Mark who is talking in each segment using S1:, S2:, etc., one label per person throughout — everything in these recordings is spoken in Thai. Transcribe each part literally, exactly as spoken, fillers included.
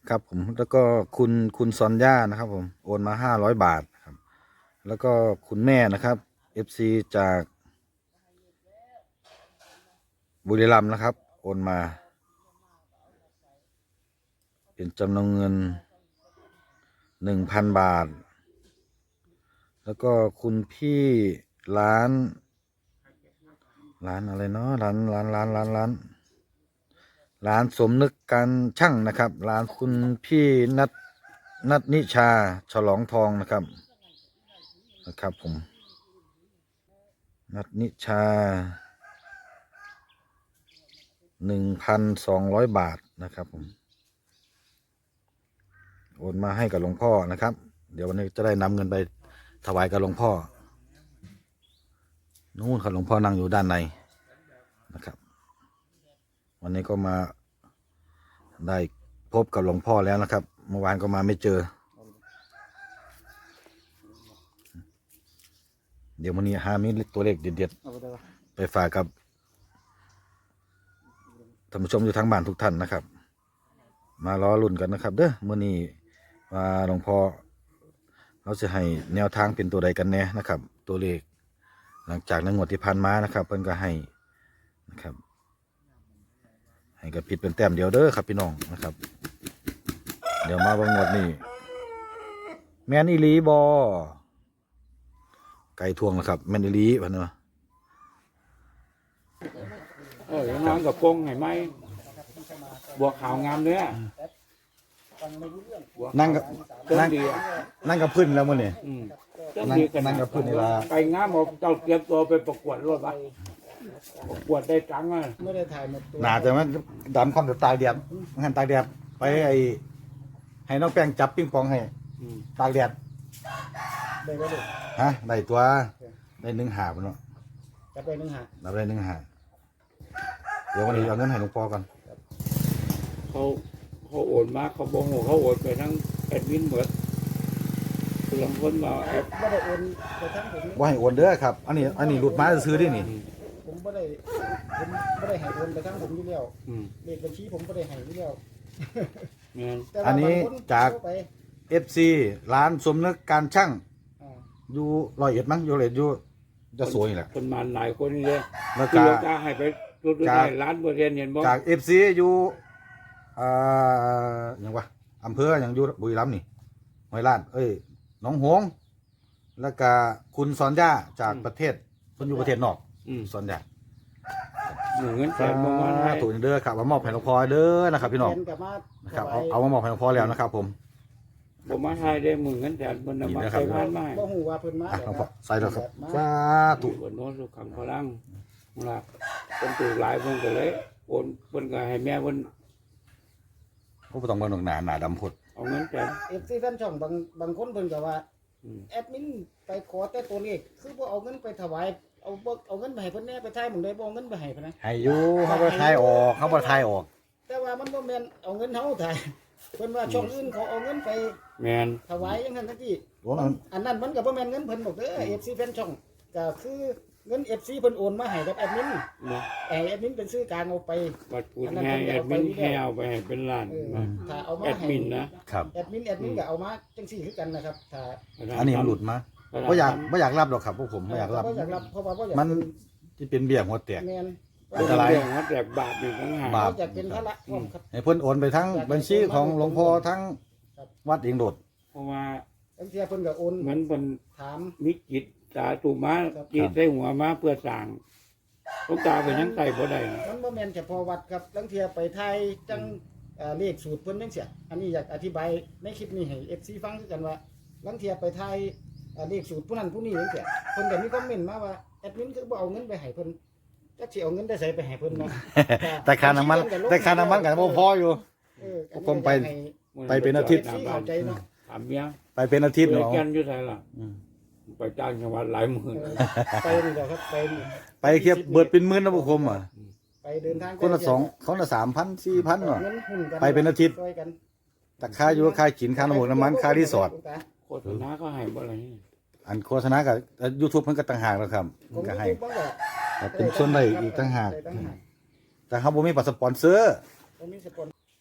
S1: ครับผมแล้วก็คุณคุณซอนย่านะครับผมโอนมาห้าร้อยบาทครับแล้วก็คุณแม่นะครับเอฟซีจากบุรีรัมย์นะครับโอนมาเป็นจำนวนเงินหนึ่งพันบาทแล้วก็คุณพี่ร้านร้านอะไรเนาะร้านร้านร้านร้านร้านร้านสมนึกการช่างนะครับร้านคุณพี่นัทนัทนิชาฉลองทองนะครับนะครับผมนัทนิชาหนึ่งพันสองร้อยบาทนะครับผมโอนมาให้กับหลวงพ่อนะครับเดี๋ยววันนี้จะได้นำเงินไปถวายกับหลวงพ่อนู่นครับหลวงพ่อนั่งอยู่ด้านในนะครับวันนี้ก็มาได้พบกับหลวงพ่อแล้วนะครับเมื่อวานก็มาไม่เจอเดี๋ยววันนี้หามีตัวเลขเด็ดๆไปฝากกับท่านผู้ชมอยู่ทางบ้านทุกท่านนะครับมารอลุ้นกันนะครับเด้อเมื่อนี้ว่าหลวงพ่อเราจะให้แนวทางเป็นตัวใดกันแน่นะครับตัวเลขหลังจากในงวดที่ผ่านมานะครับเพิ่นก็ให้นะครับให้กับผิดเป็นแต้มเดียวเด้อครับพี่น้องนะครับเดี๋ยวมาบางงวดนี้แมนอีลีบอไก่ทวงนะครับแมนอีลีพันเนาะ
S2: เออน้องกับกงไงไหมบวกขาวงามเนื้อ
S1: นั่งกับ
S2: เจ้า
S1: นั่ง
S2: ดีอ่ะ
S1: นั่งกับพื้นแล้วมั้งเนี่ย
S2: อืมเจ้า
S1: นั่ง
S2: ดีกัน
S1: นั่งกับพื้นนี่ละ
S2: ไปงามบอกเจ้าเตรียมตัวไปประกวดรถวะประกวดได้ตังค์อ่ะ
S3: ไม่ได้ถ่ายหมดตัว
S1: หนาแต่ว่าดำความจะตายแดดหันตายแดดไปไอให้น้องแป้งจับปิ้งปองให้
S2: อืม
S1: ตากแดด
S3: ได้ก็ได้
S1: ฮะได้ตัวได้หนึ่งหาบเนาะ
S3: จะไปหนึ่งหา
S1: นับได้หนึ่งหาเดี๋ยววันนี้เอาเงินให้หลวงพ่อกัน
S2: เขาเขาโอนมาเขาบอกว่าเขาโอนไปทั้งแอดมินหมดคือลางคนมาแอด
S3: ไม่ได้โอนไปทั้งผมนี่
S1: ว่าให้โอนเด้อครับอันนี้อันนี้หลุดมาซื้อๆดินี่
S3: ผมไม่ได้ผมไม่ได้ให้โอนไปทั้งผมอยู่แล้ว
S2: อืม
S3: เลขบัญชีผมไม่ได้ให้อยู่แล้ว
S2: เงิน
S3: แต่
S1: อั
S3: ว่าน
S1: นี้
S3: บางคน
S1: จาก
S3: เข้ไป
S1: เอฟซีร้านสมนึกการช่าง
S3: อ่า
S1: อยู่ร้อยเอ็ดมั้งอยู่ร้อยเอ็ดอยู่จะสวยนี่แหละ
S2: คนมาหลายคนนี่เลย
S1: แล้ว
S2: คือ
S1: ก็
S2: เราจะให้ไปรุดๆได้ร้านบริเวณเห็นบ่
S1: จากเอฟซีอยู่อ่าอย่างวะอำเภออย่างอยู่บุรีรัมย์นี่ห้วยลาดเอ้ยหนองหงส์แล้วก็คุณสอนย่าจากประเทศคนอยู่ประเทศนอก
S2: อืม
S1: สอนย่า
S2: หนึ่งเงินแสนประมาณให้
S1: ถูกเด้อครับมามอบให้หลวงพ่อเด้อนะครับพี่น้อง
S3: แฟกลับมา
S1: นะครับ
S3: ถ
S1: เอา
S3: วาย
S1: เอามามอบให้หลวงพ่อแล้วนะครับผม
S2: ผมมาให้ได้หมื่นเงินแสนบนน้ำมันใช้พันไม้
S3: บ่ฮู้ว่าเพิ่นมา
S1: อ่ะหลวงพ่อใส่แล้วครับ
S3: มา
S1: สาธุ
S2: บนโน้ตสุขังพลังนะคนถูกหลายเพิ่นก็เลยโอนเพิ่นก็ให้แม่เพิ่น
S1: เขาต้องมาหนหนาหนาดำพด
S2: เอาเงินแสน
S3: เอฟซีแฟนช่องบางบางคนเพิ่นก็ว่า
S2: อืม
S3: แอดมินไปขอแต่ตัวเลขคือบ่เอาเงินไปถวายเอาบ่เอาเงินไปให้เพิ่นแน่ไปทายหมึงได้บ่เอาเงินไปให้เพิ่นนะ
S1: ให้อยู่เขาบ่ทายออกเขาบ่ทายออก
S3: แต่ว่ามันบ่แม่นเอาเงินเฮาถ่ายเพิ่นว่าช่องอื่นเขาเอาเงินไป
S2: แมน
S3: ถวายจังซั่นจังซี่
S1: โอ้มัน
S3: อันนั้นมันก็บ่แม่นเงินเพิ่นบอกเด้อ เอฟ ซี แฟนช่องก็คือเงิน เอฟ ซี เพิ่นโอนมาให้กับแอดมิน
S2: เนาะ
S3: ให้แอดมินเป็นซื้อกลางเอาไป
S2: บัตรปูนให้แอดมินให้เอาไปให้เป็นล้าน
S3: เออ
S2: นะ
S3: ถ้าเอามา
S2: แอด
S3: ให้
S2: มินนะครับ
S3: แอดมินแอดมินก็เอามาจังซี่คือกันนะครับถ้า
S1: อันนี้มันหลุดมาบ่อยากบ่อยากรับหรอกครับพวกผมบ่อยากรับ
S3: บ่อยากรับเพราะว่าบ่อยาก
S1: มันที่เป็นเบี้ยหัวแตก
S3: แม่น
S1: อันตราย
S2: เรื่องว่าแจกบาทอยู่ทั้งหา
S1: บาป
S3: บ่อยากเป็นภาระพร้อมครับ
S1: ให้เพิ่นโอนไปทั้งบัญชีของหลวงพ่อทั้ง
S3: ครับ
S1: วัดเองโดด
S2: เพราะว่า
S3: บางเทีเพิ่นก็โอน
S2: มันเป็น
S3: ถาม
S2: มิจิตสาธุมาจิตได้หัวมาเพื่อสร้างหลูกตาไปยังไต่บ่ได้นะ
S3: มันบ่แม่นเฉพาะวัดครับบางเทีไปไทยจังเอ่อเลขสูตรเพิ่นจังซี่อันนี้อยากอธิบายในคลิปนี้ให้ เอฟ ซี ฟังคือกันว่าบางเทีไปไทยเอ่อเลขสูตรผู้นั้นผู้นี้จังซี่เพิ่นก็มีคอมเมนต์มาว่าแอดมินคือบ่เอาเงินไปให้เพิ่นจักสิเอาเงินได้ไสไปให้เพิ่นเนาะ
S1: แต่ค่าน้ำมันแต่ค่าน้ำมันก็บ่พออยู่
S3: เอออันนี้
S1: ผมไป
S3: อยากให้
S1: ไปเป็นอาทิตย์
S3: เอฟซีเข้าใจเนาะ
S2: ถามเมีย
S1: ไปเป็นอาทิตย์
S2: เพื่อ
S1: เนาะ
S2: แกนอยู่ไทยล่ะ
S1: อืม
S2: ไปจ้างจังหวัดหลายหมื่น
S3: เออไปนี่แหละครับไปนี่
S1: ไปเทียบเบิดเป็นหมื่นนะพวกผมอ่ะ
S3: ไปเดินทาง
S1: คนละสองคนละสามพันสี่พันเนาะ
S3: เงินหุ้นกัน
S1: ไปเป็นอาทิตย์
S3: ช่วยกัน
S1: แต่ค่าอยู่ค่ากินค่าน้ำมันน้ำมันค่ารีสอร์ท
S2: โฆษณาก็ให้บ่อะไรนี่
S1: อันโฆษณากับยูทูบเพิ่นก็ต่างหากแล้วครับ
S3: ผ
S1: เพิ่
S3: ม
S1: นก็
S3: ก็
S1: ให้
S3: ให้บ้างว่า
S1: แต่เป็นส่วนได้อีกต่างหาก
S3: ได้ต่างหาก
S1: แต่เขาบ่มีปัสสปอนเซอร์
S3: ผมมีสปอน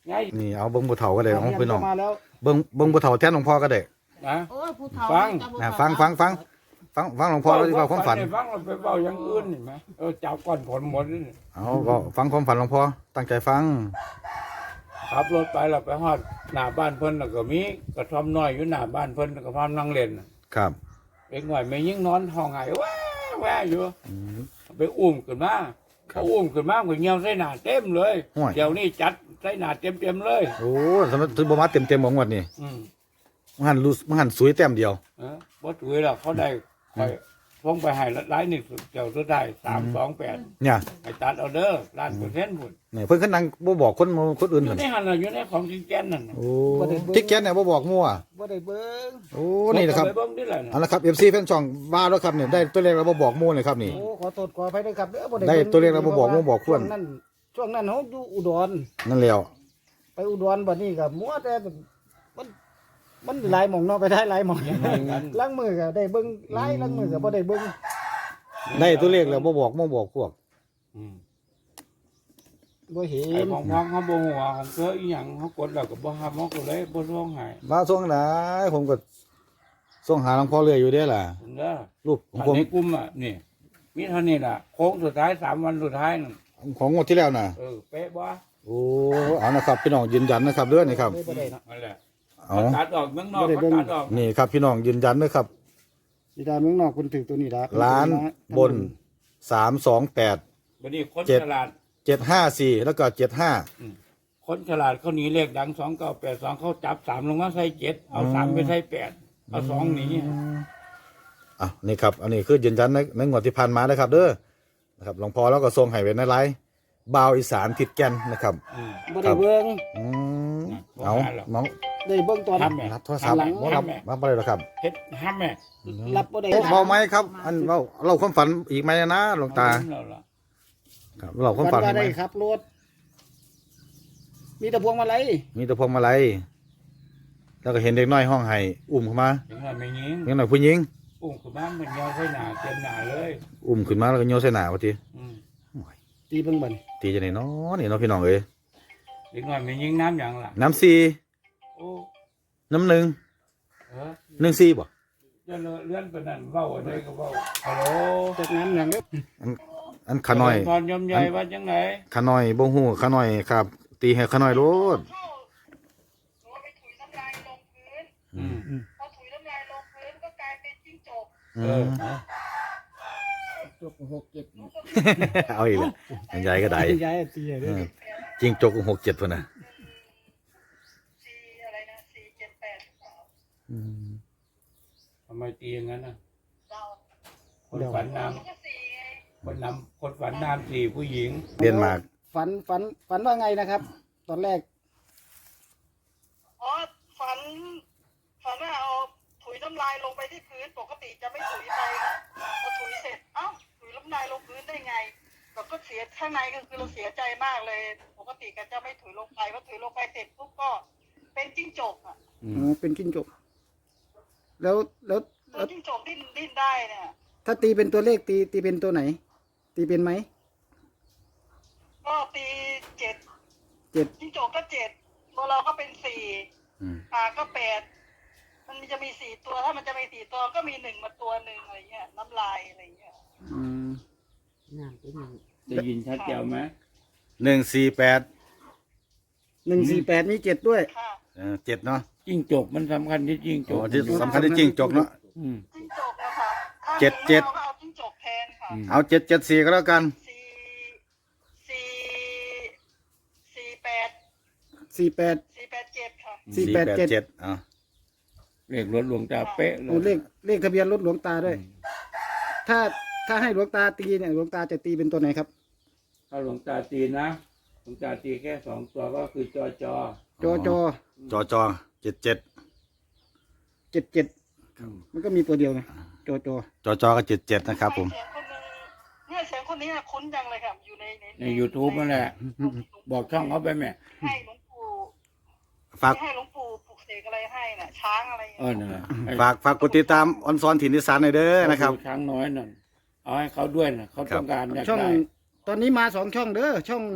S2: ไง
S1: นี่เอาเบิ้งบ่เฒ่าก็ได้ของพี่น้อง
S3: มาแล้ว
S1: เบิ้งเบิ้งบ่เฒ่าแทนหลวงพ่อก็ได้
S2: นะ
S4: โอ้ยผู้เฒ่า
S2: ฟัง
S4: จะบ่
S1: นะ
S4: เฒ่า
S1: ฟังฟังฟังฟังฟังหลวงพ่อแล้วที่ว่าความฝัน
S2: ฟังเราไปเบาอย่างอื่นเห็นไหมเออจับก้อนผลหมดนี่
S1: เอาก็ฟังความฝันหลวงพ่อตั้งใจฟัง
S2: ขับรถไปเราไปฮอดหน้าบ้านเพิ่นแล้วก็มีกระท่อมน้อยอยู่หน้าบ้านเพิ่นก็พานั่งเล่น
S1: ครับ
S2: เด็กหน่อยไม่ยิ่งนอนห้องไห้ว้าว้าอยู่
S1: อืม
S2: ไปอุ้มขึ้นมา
S1: ครับ
S2: เขาอุ้มขึ้นมาก็เงียวใส่หน้าเต็มเลย
S1: ห่วย
S2: เดี๋ยวนี้จัดใส่หน้าเต็มเต็มๆเลย
S1: โอ้สำหรับถือบ่มาเต็มๆของงวดนี่
S2: อืม
S1: มันหันรู้มันหันสวยแต้มเดียว
S2: เออบ่ถือหรอกเขาได้ไปพงไปให้หลายนี่เจ้าตัวได้สามสองแปด
S1: เนี่ย
S2: ไปตัดเอาเด้อล้านเปอร์เซ็นต์พุ่น
S1: เนี่ยเพิ่นขึ้นนั่งบ่บอกคนคนอื่น
S2: อยู่
S1: หั่น
S2: ในหันน่ะอยู่ในของจริงแก่นนั่นน่ะ
S1: โอ้ทิกแกนเนี่ยบ่บอกมั่ว
S3: บ่ได้เบิ่ง
S1: โอ้นี่นะครับ
S2: ไปเบิ่งดิล่ะ
S1: เอาละครับ เอฟ ซี แฟนช่องว่าแล้วครับเนี่ยได้ตัวเลขแล้วบ่บอกมั่วเลยครับนี่
S3: โอ้ขอโทษขออภัยด้วยครับเด้อบ่
S1: ได้
S3: บิ่ง
S1: ตัวเลขแล้วบ่บอกบ่บอกควร
S3: ช่วงนั้นช่วงนั้นเฮาอยู่อุดร
S1: นั่นแล้ว
S3: ไปอุดรบัดนี้ก็มัวแต่มันมันหลายหม่องเนาะไปได้หลายหม่อง
S2: ยังไงกัน
S3: ล้างมือก็ได้เบิ่งหลายล้างมือก็บ่ได้เบิ่ง
S1: ได้ตัวเลขแล้วบ่บอกบ่บอกพวก
S2: อืม
S3: บ่เห็
S2: ไอ้
S3: น
S2: ของพ้องเขาบ่หัวของเธออีหยังเขากดแล้วก็บ่ฮับเขาก็เลยบ่ร้องไห้
S1: มาส่งไหนผมก็ส่งหาหลวงพ่อเรื่อยอยู่เด้ล่ะ
S2: เด้อ
S1: รูปของ
S2: อัน
S1: ผม
S2: ในกลุ่มอ่ะนี่มีเท่านี้ล่ะโค้งสุดท้ายสามวันสุดท้ายนั่น
S1: ของงวดที่แล้วน่ะ
S2: เออเป๊ะบ่
S1: โอ้เอานะครับพี่น้องยืนยันนะครับเด้อนี่ครับ
S3: บ่ได้เนาะ
S2: นั่นแหละ
S1: เอา
S2: ตัดออกเมืองนอกเขาตัดออก
S1: นี่ครับพี่น้องยืนยันด้วยครับ
S3: สิดาเมืองนอกเพิ่นถือตัวนี้ละ
S1: ล้านบนสามสองแปด
S2: บัดนี้คน
S1: เจ็ด
S2: ฉลาด
S1: เจ็ดห้าสี่แล้วก็เจ็ดห้า
S2: คนฉลาดเขาหนีเลขดังสองเก้าแปดสองเขาจับสามลงมาใส่เจ็ดเอาสามไปใส่แปดเอาสองหนี
S1: อ่ะนี่ครับอันนี้คือยืนยันในในงวดที่ผ่านมานะครับ เด้อนะครับหลวงพ่อแล้วก็ทรงให้ไว้ในไลฟ์บ่าวอีสานทิดแก่นนะครับ
S2: อืม
S3: บ่ได้เบิ่ง
S1: อืมเอาน้อง
S3: ได้เบิ่งตอน
S2: ทำแม่
S1: รับโทรศัพท์
S3: หลัง
S1: บ่รับรับบ่ได้หรอกครับ
S2: เฮ็ดห้ามแม่
S3: รับบ่ได้
S1: เอ๊ะเบาไหมครับ อันเบาเราความฝันอีกไหมนะหลวงตา
S2: เอล่ะ
S1: ครับเราความ
S3: ฝั
S1: ฝั
S3: น
S1: น
S3: ว่า
S1: อีกไหม
S3: ได้ขับรถมีแต่พวงมาลัย
S1: มีแต่พวงมาลัยแล้วก็เห็นเด็กน้อยห้องไห้อุ้มเข้ามา
S2: ยังไงไม่ยิง
S1: เด็กน้อยผู้หญิง
S2: อุ้มขึ้นมามันยาวใส่หน้าเต็มหน้าเลย
S1: อุ้มขึ้นมาแล้วก็โยนใส่หน้าว่าติ
S2: อืม
S3: ตีเบิ่งบัด
S1: ตีจะไหนเนาะนี่เนาะพี่น้องเอ้ย
S2: เด็กน้อยไม่ยิงน้ำอย่างล่ะ
S1: น้ำสี่
S2: โอ้
S1: น้ำหนึ่ง
S2: เออ
S1: หนึ่งสี่บ่
S2: จะเลื่อนไปนั่นเว้าอะไรก็เว้าฮัลโหล
S3: จากนั้นอย่างเด้อ
S1: อันขาน้อย
S2: พรยมใหญ่ว่าจังไหน
S1: ขาน้อยบ่ฮู้ขาน้อยครับ ตีให้ขาน้อยโลด
S5: หนูไปถุยน้ำลายลงพื้น
S2: อืม
S5: พอถุยน้ำลายลงพื้นก็กลายเป็นจิ้งจก
S1: อื
S2: เออ
S1: ม
S4: จบหกเจ็ด
S1: เอาอีกแล้วอันใหญ่ก็ได้
S3: ย้ายตีให้
S1: เอ
S3: เด้อ
S1: อจริงจกหกเจ็ดพุ่นน่ะ
S5: สี่อะไรนะสี่เจ็ดแปดหรือเปล่า
S1: อืม
S2: ทำไมตีอย่างนั้นน่ะ
S5: เรา
S2: คนฝันน้
S5: หนูก็สี่ไง
S2: ำคนนำคนฝันน้ำสี่ผู้หญิง
S1: เรียนมาก
S3: ฝันฝันฝันว่าไงนะครับ ตอนแรก
S5: อ๋อฝันฝันว่าเอาถุยน้ำลายลงไปที่พื้นปกติจะไม่ถุยไปค่ะพอถุยเสร็จเอ้าถุยน้ำลายลงพื้นได้ไงเราก็เสียข้างในก็คือเราเสียใจมากเลย ปกติก็จะไม่ถุยลงไปพอถุยลงไปเสร็จปุ๊บก็เป็นจิ้งจกอ่ะ
S2: อื
S3: อ๋
S2: ม
S3: อเป็นจิ้งจกแล้วแล้ว
S5: ตัวจิ้งจกดิ้นดิ้นได้เนี่ย
S3: ถ้าตีเป็นตัวเลขตีตีเป็นตัวไหน ตีเป็นไหม
S5: ก็ตีเจ็ด
S3: เจ็ด
S5: จิ้งจกก็เจ็ดตัวเราก็เป็นสี่
S1: อืม
S5: ปลาก็แปดมันจะมีสี่ตัวถ้ามันจะมีสี่ตัวก็มีหนึ่งมาตัวหนึ่งอะไรเงี้ยน้ำลายอะไรเงี้ย
S3: อืม
S4: น้ำเป็นหนึ่ง
S2: ได้ยินชัดเจนไหม
S1: หนึ่งสี่แปด
S3: หนึ่งสี่แปดมีเจ็ดด้วย
S5: ค่ะ
S1: เออเจ็ดเนาะ
S2: จิ้งจกมันสำคัญที่จิ้งจ
S1: โอ้
S2: ก
S1: ที่สำคัญที่จริงจกเนาะ
S2: อืม
S5: จิ้งจกนะคะถ้า
S1: เจ็ดเจ็ด
S5: ราก็เอาจิ้งจกแทนค่ะ
S2: อืม
S1: เอาเจ็ดเจ็ดสี่ก็แล้วกัน
S5: สี่สี่สี่แปด
S3: สี่แปด
S5: สี่แปดเจ็ดค่ะ
S3: สี่แปดเจ็ด
S1: เจ็ดอ่ะ
S2: เลขรถหลวงตาเป๊ะเล
S3: โอ้
S2: ย
S3: เลขเลขทะเบียนรถหลวงตาด้วย ถ้าถ้าให้หลวงตาตีเนี่ยหลวงตาจะตีเป็นตัวไหนครับ
S2: ถ้าหลวงตาตีนะหลวงตาตีแค่สองตัวก็คือจอจอ
S3: จอจอ
S1: จอจอเจ็ดเจ็ด
S3: เจ็ดเจ็ดมันก็มีตัวเดียวไงจอจอ
S1: จอจอก็เจ็ดเจ็ดนะครับผม
S5: เสียงคนหนึงเนี่ยเสียงคนนี้น่ะคุ้นจังเลยค่ะอยู่ในใน
S2: ใน YouTube นั่นแหละ บอกช่องเขาไปแม่
S5: ให้หลวงปู่
S1: ฝาก
S5: ให้หลวงปู่ปลุกเสกอะไรให้น่ะ ช้างอะไร
S2: เออนั่นแหละให้
S1: ฝากฝากกดติดตามออนซอนถิ่นอีสานหน่อยเด้อนะครับ
S2: ช้างน้อยนั่นเอาให้เขาด้วยนะเขาต้องการอยาก
S3: ช่อง
S2: ได้
S3: ตอนนี้มาสองช่องเด้อช่อง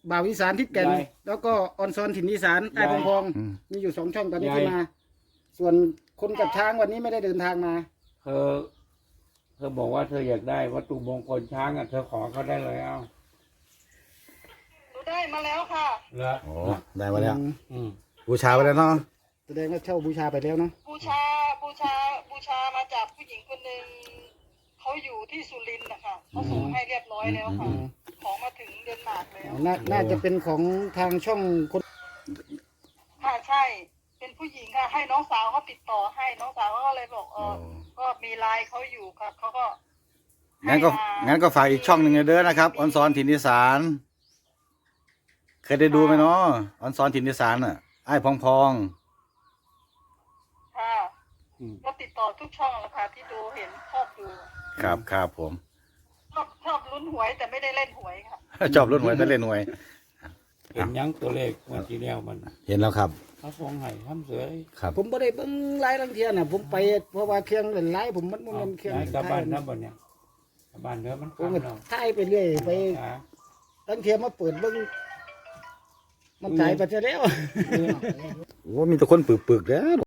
S3: บ่าวอีสานทิศแก่น
S2: ยาย
S3: แล้วก็ออนซอนถิ่นอีสานไอ้
S2: ยาย
S3: พงพอง
S1: อืม
S3: มีอยู่สองช่องตอนนี้
S2: ยาย
S3: ที่มา ส่วนคนกับช้างวันนี้ไม่ได้เดินทางมา
S2: เธอ เธอบอกว่าเธออยากได้วัตถุมงคลช้างอ่ะเธอขอเขาได้เลยเอา
S5: หนูได้มาแล้วค่ะ
S2: เหรอ
S1: โอ้ได้มาแล้ว
S3: อืม
S2: อืม
S1: บูชาไปแล้วเนาะ
S3: แสดงว่าเช่าบูชาไปแล้วเนาะ
S5: บูชาบูชาบูชามาจากผู้หญิงคนหนึ่งเขาอยู่ที่สุรินทร์นะคะเขาส่งให้เรียบร้อยแล้วค่ะ ของมาถึงเดนมาร์กแล้ว
S3: น่าน่าจะเป็นของทางช่องคน
S5: ค่ะใช่ เป็นผู้หญิงค่ะ ให้น้องสาวเขาติดต่อให้น้องสาวเขาก็เลยบอกเออก็มีไลน์เขาอยู่ค่ะเขาก็ให้
S1: งั้นก็
S5: มา
S1: งั้นก็ฝากอีกช่องหนึ่งเด้อนะครับออนซอนถิ่นอีสานเคยได้ดูไหมเนาะออนซอนถิ่นอีสานอ่ะไอ้พองพอง
S5: ค่ะ
S2: อืม
S5: ก็ติดต่อทุกช่องแล้วค่ะที่ดูเห็นชอบดู
S1: ครับครับผม
S5: ชอบชอบลุ้นหวยแต่ไม่ได้เล่นหวยค่ะ
S1: ชอบรุ่นหวยแต่เล่นหวย
S2: เห็นยังตัวเลขเมื่อกี้แล้วมัน
S1: เห็นแล้วครับ
S2: เขาฟองไห้ทำเสือ
S1: ครับ
S3: ผมไม่ได้เบิ่งไลน์ลังเทียน่ะผมไปเพราะว่าเครื่องเล่นไลน์ผมมันมัน
S2: เอา
S3: มันเครื่อง
S2: ย้ายกลับบ้าน
S3: ถ่าย
S2: นะบ่เนี่ยกลับบ้านเด้อมัน
S3: ผม
S2: คำ
S3: ก็
S2: เรา
S3: ถ่ายไปเรื่อยไป
S2: อ่า
S3: ลังเทียมาเปิดเบิ่งมันจ่ายไปซะแล้ว
S1: โอ้มีแต่คนปึกๆแล้ว